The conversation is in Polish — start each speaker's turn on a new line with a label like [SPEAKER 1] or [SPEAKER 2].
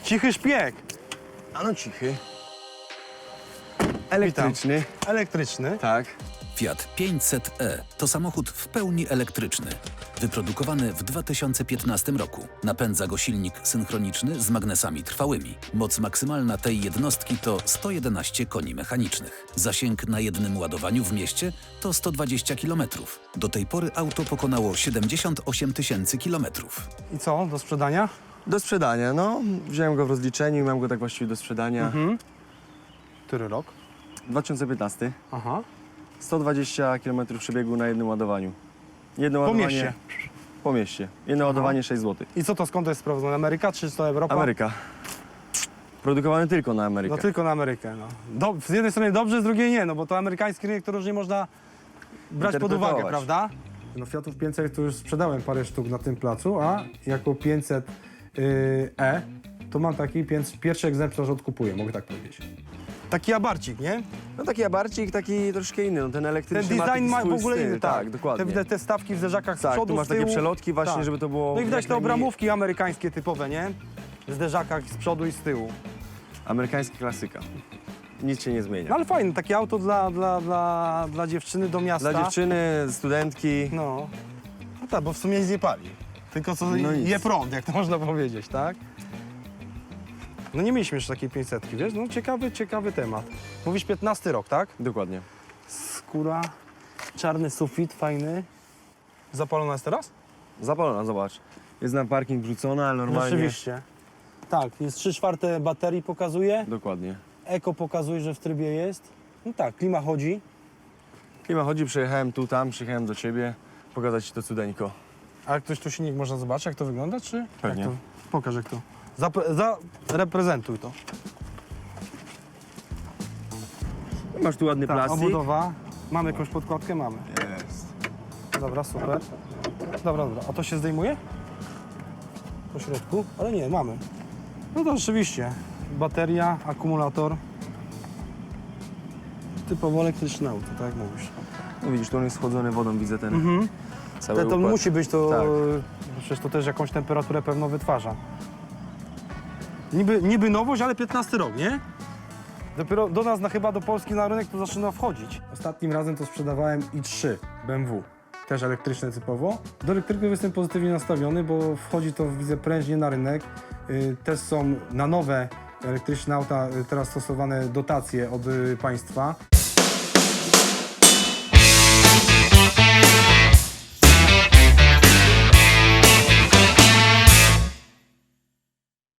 [SPEAKER 1] Cichy szpieg.
[SPEAKER 2] A no cichy. Elektryczny.
[SPEAKER 1] Elektryczny.
[SPEAKER 2] Tak.
[SPEAKER 3] Fiat 500e to samochód w pełni elektryczny. Wyprodukowany w 2015 roku. Napędza go silnik synchroniczny z magnesami trwałymi. Moc maksymalna tej jednostki to 111 koni mechanicznych. Zasięg na jednym ładowaniu w mieście to 120 km. Do tej pory auto pokonało 78 000 kilometrów.
[SPEAKER 1] I co, do sprzedania?
[SPEAKER 2] Do sprzedania, no. Wziąłem go w rozliczeniu i mam go tak właściwie do sprzedania.
[SPEAKER 1] Który rok?
[SPEAKER 2] 2015.
[SPEAKER 1] Aha.
[SPEAKER 2] 120 km przebiegu na jednym ładowaniu. Jedno
[SPEAKER 1] Po
[SPEAKER 2] ładowanie...
[SPEAKER 1] mieście.
[SPEAKER 2] Po mieście. Jedno ładowanie 6 zł.
[SPEAKER 1] I co to, skąd to jest sprowadzone? Ameryka czy to Europa?
[SPEAKER 2] Ameryka. Produkowany tylko na Amerykę.
[SPEAKER 1] No tylko na Amerykę, no. Z jednej strony dobrze, z drugiej nie, no bo to amerykański rynek to różnie można brać pod uwagę,
[SPEAKER 2] Interpretować.
[SPEAKER 1] prawda? No Fiatów 500 to już sprzedałem parę sztuk na tym placu, a jako 500 to mam taki pierwszy egzemplarz odkupuję, mogę tak powiedzieć. Taki abarcik, nie?
[SPEAKER 2] No taki abarcik, taki troszkę inny. No, ten
[SPEAKER 1] Ten
[SPEAKER 2] elektryczny
[SPEAKER 1] design ma
[SPEAKER 2] taki
[SPEAKER 1] w ogóle
[SPEAKER 2] styl.
[SPEAKER 1] inny,
[SPEAKER 2] Tak, dokładnie.
[SPEAKER 1] Te stawki w zderzakach z
[SPEAKER 2] Tak,
[SPEAKER 1] przodu,
[SPEAKER 2] tu masz
[SPEAKER 1] z tyłu.
[SPEAKER 2] takie przelotki właśnie,
[SPEAKER 1] Tak.
[SPEAKER 2] żeby to było...
[SPEAKER 1] No i widać
[SPEAKER 2] jak
[SPEAKER 1] te
[SPEAKER 2] najmniej-
[SPEAKER 1] obramówki amerykańskie typowe, nie? W zderzakach z przodu i z tyłu.
[SPEAKER 2] Amerykańska klasyka. Nic się nie zmienia.
[SPEAKER 1] No ale fajne, takie auto dla dziewczyny do miasta.
[SPEAKER 2] Dla dziewczyny, studentki.
[SPEAKER 1] No. No tak, bo w sumie nic nie pali. Tylko co
[SPEAKER 2] No nic.
[SPEAKER 1] je prąd, jak to można powiedzieć, tak? No nie mieliśmy jeszcze takiej 500, wiesz? No ciekawy temat. Mówisz 15 rok, tak?
[SPEAKER 2] Dokładnie.
[SPEAKER 1] Skóra, czarny sufit, fajny. Zapalona jest teraz?
[SPEAKER 2] Zapalona, zobacz. Jest na parking wrzucona, ale normalnie...
[SPEAKER 1] Rzeczywiście. Tak, jest 3/4 baterii pokazuje.
[SPEAKER 2] Dokładnie.
[SPEAKER 1] Eko pokazuje, że w trybie jest. No tak, klima chodzi.
[SPEAKER 2] Klima chodzi, przyjechałem tu, tam, przyjechałem do ciebie. Pokazać ci to cudeńko.
[SPEAKER 1] A ktoś tu silnik można zobaczyć, jak to wygląda, czy?
[SPEAKER 2] Pewnie.
[SPEAKER 1] Jak to? Pokaż, jak to. Zareprezentuj to.
[SPEAKER 2] Masz tu ładny
[SPEAKER 1] Tak,
[SPEAKER 2] plastik.
[SPEAKER 1] obudowa. Mamy jakąś podkładkę? Mamy.
[SPEAKER 2] Jest.
[SPEAKER 1] Dobra, super. Dobra. A to się zdejmuje? Po środku? Ale nie, mamy. No to rzeczywiście. Bateria, akumulator. Typowo elektryczne auto, tak jak mówisz.
[SPEAKER 2] No widzisz, tu on jest schłodzony wodą, widzę ten cały
[SPEAKER 1] To
[SPEAKER 2] układ.
[SPEAKER 1] musi być to...
[SPEAKER 2] Tak.
[SPEAKER 1] Przecież to też jakąś temperaturę pewno wytwarza. Niby nowość, ale 15 rok, nie? Dopiero do nas, chyba do Polski na rynek to zaczyna wchodzić. Ostatnim razem to sprzedawałem i3 BMW. Też elektryczne typowo. Do elektryków jestem pozytywnie nastawiony, bo wchodzi to, widzę, prężnie na rynek. Też są na nowe elektryczne auta teraz stosowane dotacje od państwa.